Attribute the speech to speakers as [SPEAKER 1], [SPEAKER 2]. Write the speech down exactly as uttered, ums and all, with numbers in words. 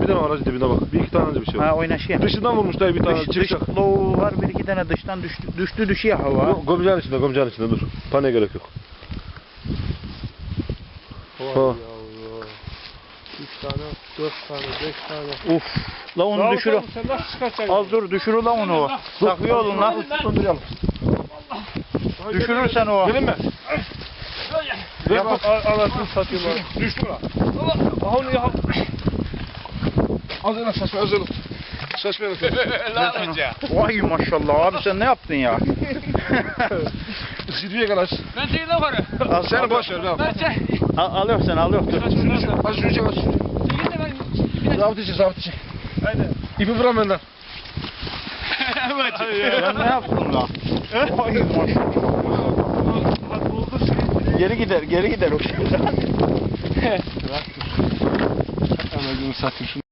[SPEAKER 1] bir tane var hacı dibinde bak. Bir iki tane bir şey var.
[SPEAKER 2] Ha oynaşıyor.
[SPEAKER 1] Dışından vurmuş dayı bir tane
[SPEAKER 2] Dış, dış
[SPEAKER 1] çıkacak.
[SPEAKER 2] loğu var, bir iki tane dıştan düştü, düştü düşüyor hava.
[SPEAKER 1] Yok, Gömceğin içinde, gömceğin içinde dur. Paniğe gerek yok.
[SPEAKER 3] Vay
[SPEAKER 1] Ha.
[SPEAKER 3] yavrum. Üç tane, dört tane, beş tane.
[SPEAKER 2] Uf. La onu düşür.
[SPEAKER 3] Sen nasıl çıkartacaksın?
[SPEAKER 2] Az dur düşür la onu. Takıyor olun la.
[SPEAKER 1] Döndürüyorum.
[SPEAKER 2] Düşürürsen o.
[SPEAKER 1] Gelin mi?
[SPEAKER 3] Ver bak anasını satayım bak.
[SPEAKER 1] Düştü lan. Aha onu ya. Az önce saçma özür dilerim. Saçma özür
[SPEAKER 4] Lan hoca.
[SPEAKER 2] Vay maşallah abi sen ne yaptın ya?
[SPEAKER 1] Zirveye gel aç.
[SPEAKER 4] Ben değil de var.
[SPEAKER 2] Al,
[SPEAKER 1] Seni boş ver lan.
[SPEAKER 4] Ben çek.
[SPEAKER 2] al, al yok sen al yok. Dur.
[SPEAKER 1] Az şunu çek aç.
[SPEAKER 4] Çekil de ben.
[SPEAKER 1] Zabıt içi zabıt içi. Haydi. İpi bırak benden.
[SPEAKER 4] Evet.
[SPEAKER 2] Sen ne yaptın la? Vay maşallah. Geri gider geri gider o.
[SPEAKER 1] Anacığını satayım şunu.